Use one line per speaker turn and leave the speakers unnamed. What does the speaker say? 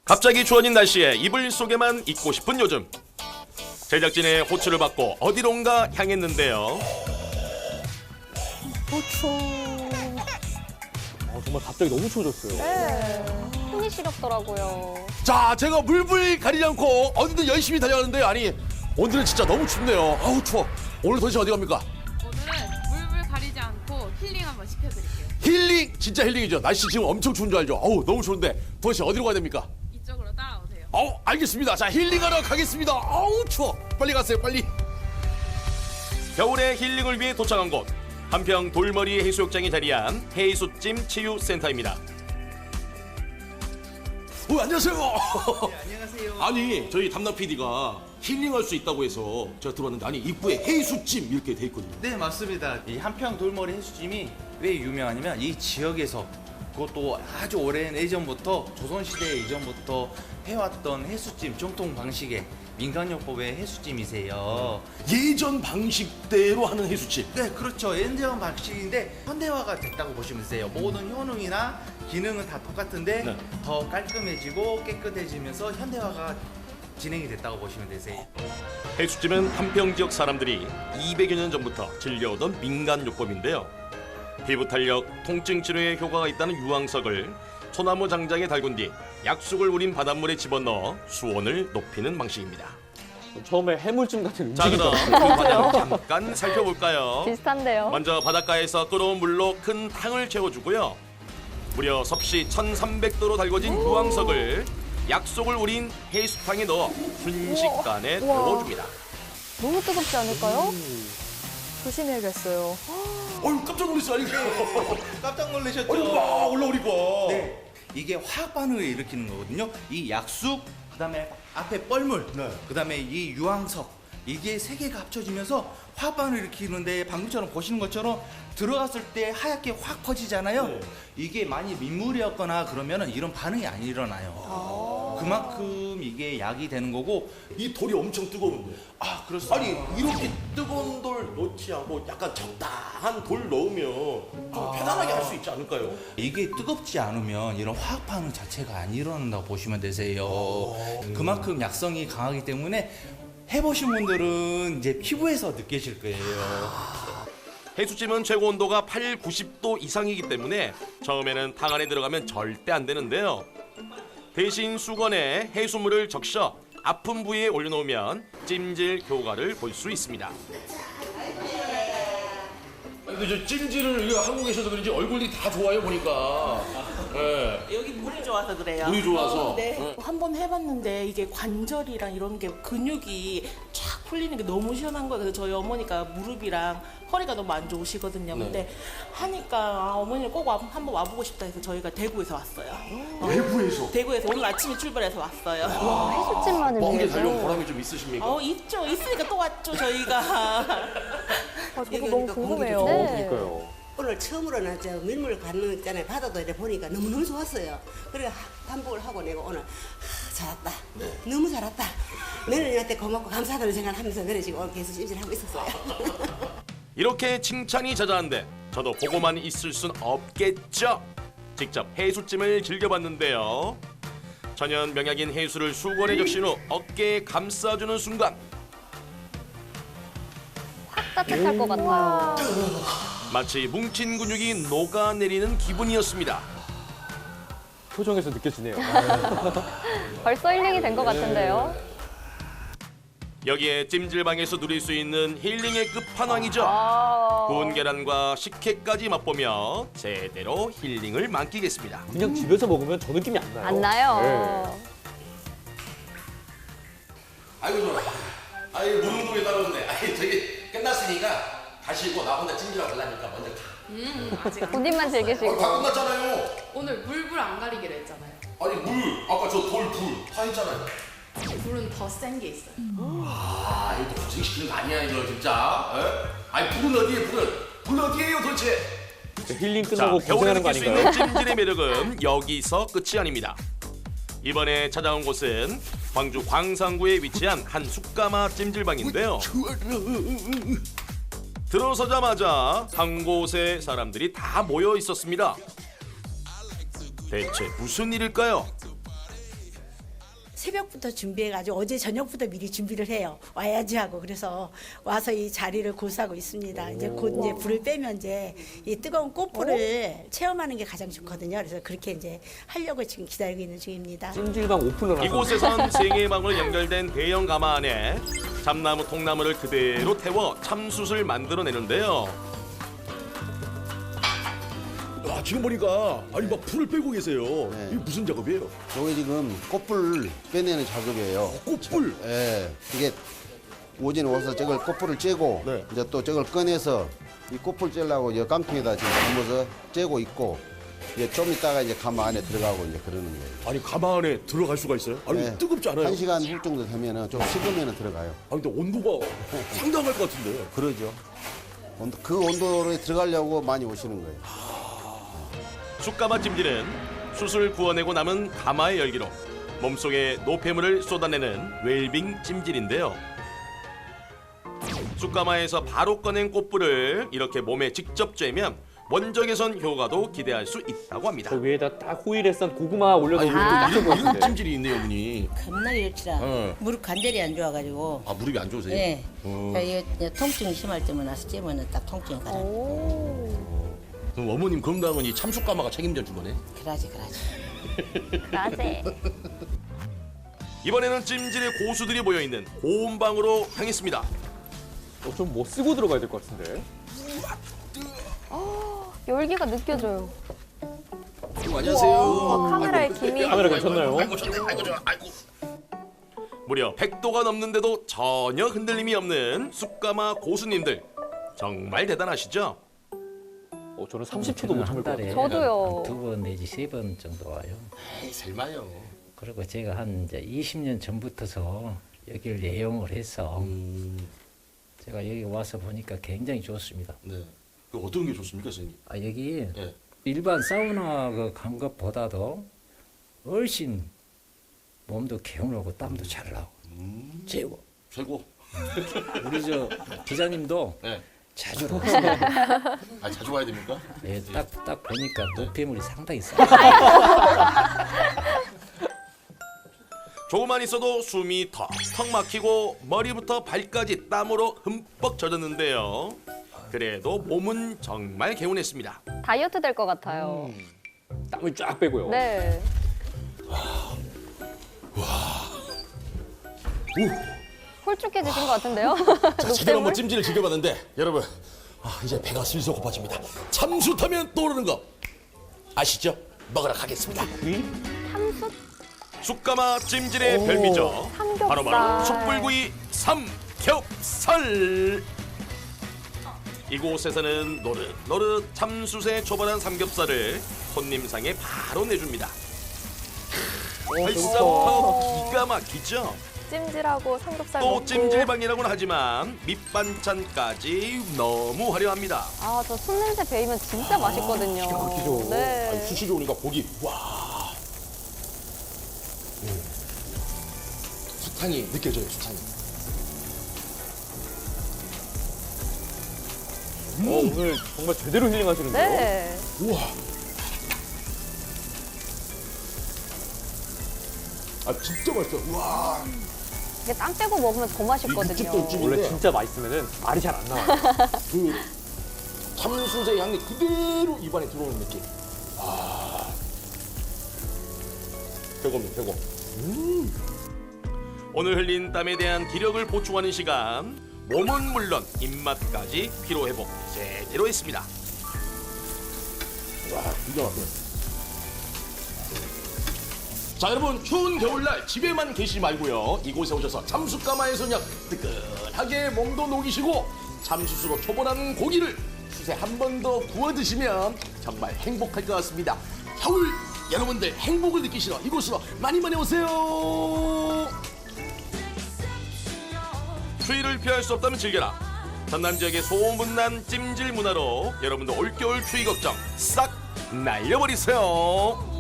갑자기 추워진 날씨에 이불 속에만 있고 싶은 요즘. 제작진의 호출을 받고 어디론가 향했는데요.
정말 갑자기 너무 추워졌어요.
네. 손이 시렵더라고요.
자, 제가 물불 가리지 않고 어디든 열심히 달려가는데요. 아니, 오늘은 진짜 너무 춥네요. 아우 추워. 오늘 도대체 어디 갑니까?
오늘은 물불 가리지 않고 힐링 한번 시켜드릴게요.
힐링! 진짜 힐링이죠. 날씨 지금 엄청 추운 줄 알죠? 아우 너무 추운데 도대체 어디로 가야 됩니까?
이쪽으로 따라오세요.
알겠습니다. 자, 힐링하러 가겠습니다. 아우 추워. 빨리 가세요, 빨리. 겨울의 힐링을 위해 도착한 곳. 한평 돌머리 해수욕장에 자리한 해수찜 치유센터입니다. 안녕하세요.
네, 안녕하세요.
아니, 저희 담당 PD가 힐링할 수 있다고 해서 제가 들어왔는데 아니 입구에 해수찜 이렇게 돼 있거든요.
네, 맞습니다. 이 한평 돌머리 해수찜이 왜 유명하냐면 이 지역에서 그것도 아주 오랜 예전부터 조선시대 이전부터 해왔던 해수찜 정통 방식의 민간요법의 해수찜이세요.
예전 방식대로 하는 해수찜.
네, 그렇죠. 예전 방식인데 현대화가 됐다고 보시면 되세요. 모든 효능이나 기능은 다 똑같은데
네.
더 깔끔해지고 깨끗해지면서 현대화가 진행이 됐다고 보시면 되세요.
해수찜은 한평 지역 사람들이 200여 년 전부터 즐겨오던 민간요법인데요. 피부 탄력, 통증 치료에 효과가 있다는 유황석을 소나무 장작에 달군 뒤 약속을 우린 바닷물에 집어넣어 수온을 높이는 방식입니다.
처음에 해물찜 같은
자,
음식이
그럼 그 과정을 잠깐 살펴볼까요?
비슷한데요.
먼저 바닷가에서 끓어온 물로 큰 탕을 채워주고요. 무려 섭씨 1300도로 달궈진 유황석을 약속을 우린 해수탕에 넣어 순식간에
우와.
데워줍니다.
너무 뜨겁지 않을까요? 조심해야겠어요.
어휴, 깜짝 놀랐어요. 아니,
깜짝 놀라셨죠?
아니, 와, 올라오니까.
네, 이게 화학 반응을 일으키는 거거든요. 이 약수, 그다음에 앞에 뻘물,
네.
그다음에 이 유황석, 이게 세 개가 합쳐지면서 화학 반응을 일으키는데 방금처럼 보시는 것처럼 들어갔을 때 하얗게 확 퍼지잖아요.
네.
이게 많이 민물이었거나 그러면은 이런 반응이 안 일어나요. 그만큼 이게 약이 되는 거고.
이 돌이 엄청 뜨거운데.
아, 그렇습니다.
아니, 이렇게 뜨거운 돌 넣지 않고 약간 적당한 돌 넣으면 좀 편안하게 할 수 있지 않을까요?
이게 뜨겁지 않으면 이런 화학 반응 자체가 안 일어난다고 보시면 되세요. 그만큼 약성이 강하기 때문에 해보신 분들은 이제 피부에서 느끼실 거예요.
해수찜은 최고 온도가 8, 90도 이상이기 때문에 처음에는 탕 안에 들어가면 절대 안 되는데요. 대신 수건에 해수물을 적셔 아픈 부위에 올려놓으면 찜질 효과를 볼 수 있습니다. 근데 저 찜질을 한국에 계셔서 그런지 얼굴이 다 좋아요 보니까. 네.
여기 물이 좋아서 그래요.
물이 좋아서?
네.
네.
한 번 해봤는데 이게 관절이랑 이런 게 근육이 쫙 풀리는 게 너무 시원한 거예요. 그래서 저희 어머니가 무릎이랑 허리가 너무 안 좋으시거든요.
네.
근데 하니까 어머니를 꼭 한번 와보고 싶다 해서 저희가 대구에서 왔어요.
외부에서
대구에서 오늘 아침에 출발해서 왔어요.
해수찜만을
멍게 달려온
위해서.
보람이 좀 있으십니까?
있죠. 있으니까 또 왔죠, 저희가.
저도
여기
너무
오니까
궁금해요.
공기도
네.
그러니까요.
오늘 처음으로는 저 밀물 가는 거 있잖아요. 바다도 이렇게 보니까 너무너무 좋았어요. 그래 반복을 하고 내가 오늘 잘했다. 너무 잘했다. 며느리한테 고맙고 감사하다는 생각을 하면서 그래 지금 오늘 계속 찜질하고 있었어요.
이렇게 칭찬이 자자한데 저도 보고만 있을 순 없겠죠. 직접 해수찜을 즐겨봤는데요. 천연 명약인 해수를 수건에 적신 후 어깨에 감싸주는 순간
따뜻할 것 같아요.
마치 뭉친 근육이 녹아내리는 기분이었습니다.
표정에서 느껴지네요.
벌써 힐링이 된 것 같은데요.
여기에 찜질방에서 누릴 수 있는 힐링의 끝판왕이죠.
아,
구운 계란과 식혜까지 맛보며 제대로 힐링을 만끽했습니다.
그냥 집에서 먹으면 저 느낌이 안 나요.
안 나요.
아이고 좋아. 아이 무릉도에 따라오네. 아이 저기 끝났으니까 가시고 나 혼자 찜질하고 가려니까 먼저 가.
아직 안
본인만 즐기시고.
다 끝났잖아요.
오늘 물불 안 가리기로 했잖아요.
아니 물 아까 저 돌 불 다 했잖아요.
불은 더 센 게 있어요.
아 이거 고생시키는 거 아니야 이거 진짜. 에? 아니 불은 어디에 불은 어디에요 도대체?
힐링
자
끝나고
겨울에
고생하는 거
느낄 수
아닌가요?
있는 찜질의 매력은 여기서 끝이 아닙니다. 이번에 찾아온 곳은 광주 광산구에 위치한 한 숯가마 찜질방인데요. 들어서자마자 한 곳에 사람들이 다 모여 있었습니다. 대체 무슨 일일까요?
새벽부터 준비해가지고 어제 저녁부터 미리 준비를 해요. 와야지 하고 그래서 와서 이 자리를 고수하고 있습니다. 이제 곧 이제 불을 빼면 이제 이 뜨거운 꽃불을 체험하는 게 가장 좋거든요. 그래서 그렇게 이제 하려고 지금 기다리고 있는 중입니다.
찜질방 오픈을 하고
이곳에선 세 개의 방으로 연결된 대형 가마 안에 참나무, 통나무를 그대로 태워 참숯을 만들어내는데요.
아, 지금 보니까 아니 막 불을 빼고 계세요.
네.
이게 무슨 작업이에요?
이게 지금 꽃불 빼내는 작업이에요.
꽃불.
예, 이게 오전에 와서 저걸 꽃불을 째고
네.
이제 또 저걸 꺼내서 이 꽃불 째려고 이 깡통에다 지금 담아서 째고 있고 이제 좀 있다가 이제 가마 안에 들어가고 이제 그러는 거예요.
아니 가마 안에 들어갈 수가 있어요? 아니
네.
뜨겁지 않아요?
1시간 후 정도 되면은 좀 식으면은 들어가요.
아 근데 온도가 상당할 것 같은데.
그러죠. 그 온도로 들어가려고 많이 오시는 거예요.
숯가마 찜질은 숯을 구워내고 남은 가마의 열기로 몸속에 노폐물을 쏟아내는 웰빙 찜질인데요. 숯가마에서 바로 꺼낸 꽃불을 이렇게 몸에 직접 쬐면 원적 개선 효과도 기대할 수 있다고 합니다.
저 위에다 딱 호일에 싼 고구마 올려놓으면
아,
딱 좋을 것 같은데.
찜질이 있네요, 어머니.
겁나게 좋지라. 무릎 관절이 안 좋아가지고.
아 무릎이 안 좋으세요?
예. 이거 통증이 심할 때만 와서 찌면은 딱 통증이 가라.
그럼 어머님 건강은 이 참숯 가마가 책임져 준 거네.
그러지.
라제.
이번에는 찜질의 고수들이 모여있는 고온방으로 향했습니다.
좀 뭐 쓰고 들어가야 될 것 같은데.
열기가 느껴져요.
안녕하세요.
카메라에 김이.
카메라 괜찮나요?
무려 100도가 넘는데도 전혀 흔들림이 없는 숯가마 고수님들 정말 대단하시죠?
저는 30초도 못 참을 것 같아요.
저도요.
2번 내지 3번 정도 와요.
에이 설마요.
그리고 제가 한 이제 20년 전부터서 여기를 애용을 해서 제가 여기 와서 보니까 굉장히 좋습니다.
네. 그 어떤 게 좋습니까, 선생님?
여기
예.
일반 사우나 간 것보다도 훨씬 몸도 개운하고 땀도 잘 나고 최고.
최고.
우리 저 기자님도
네.
자주 오세요.
아 자주 와야 됩니까?
예, 딱 보니까 노폐물이 상당히 싸.
조금만 있어도 숨이 턱턱 막히고 머리부터 발까지 땀으로 흠뻑 젖었는데요. 그래도 몸은 정말 개운했습니다.
다이어트 될 것 같아요.
땀을 쫙 빼고요.
네. 홀쭉해지신 것 같은데요?
자, 제대로 한번 찜질을 즐겨봤는데 여러분 이제 배가 슬슬 고파집니다. 참숯하면 떠오르는 거 아시죠? 먹으러 가겠습니다.
참숯?
숯가마 찜질의 별미죠.
삼겹살.
바로바로 숯불구이 삼겹살. 이곳에서는 노릇노릇 참숯에 초벌한 삼겹살을 손님상에 바로 내줍니다. 벌써부터 기가 막히죠?
찜질하고 삼겹살
또
먹고.
찜질방이라고는 하지만 밑반찬까지 너무 화려합니다.
아, 저 숯 냄새 배이면 진짜 맛있거든요.
기가 막히죠.
네.
아니, 숯이 좋으니까 고기 와. 숯향이 느껴져요, 숯향이.
오늘 정말 제대로 힐링하시는데요.
네.
우와. 아 진짜 맛있어. 우와.
이게 땀 빼고 먹으면 더 맛있거든요.
육즙도 육즙인데
원래 진짜 맛있으면 말이 잘 안 나와요.
그 참숯의 향이 그대로 입안에 들어오는 느낌. 아. 최고입니다, 최고.
오늘 흘린 땀에 대한 기력을 보충하는 시간. 몸은 물론 입맛까지 피로회복 제대로 했습니다.
와, 기가 막혀. 자, 여러분 추운 겨울날 집에만 계시지 말고요. 이곳에 오셔서 참숯가마에서 그냥 뜨끈하게 몸도 녹이시고 참숯으로 초벌한 고기를 숯에 한 번 더 구워 드시면 정말 행복할 것 같습니다. 겨울 여러분들 행복을 느끼시러 이곳으로 많이 오세요.
추위를 피할 수 없다면 즐겨라. 전남 지역의 소문난 찜질 문화로 여러분도 올겨울 추위 걱정 싹 날려버리세요.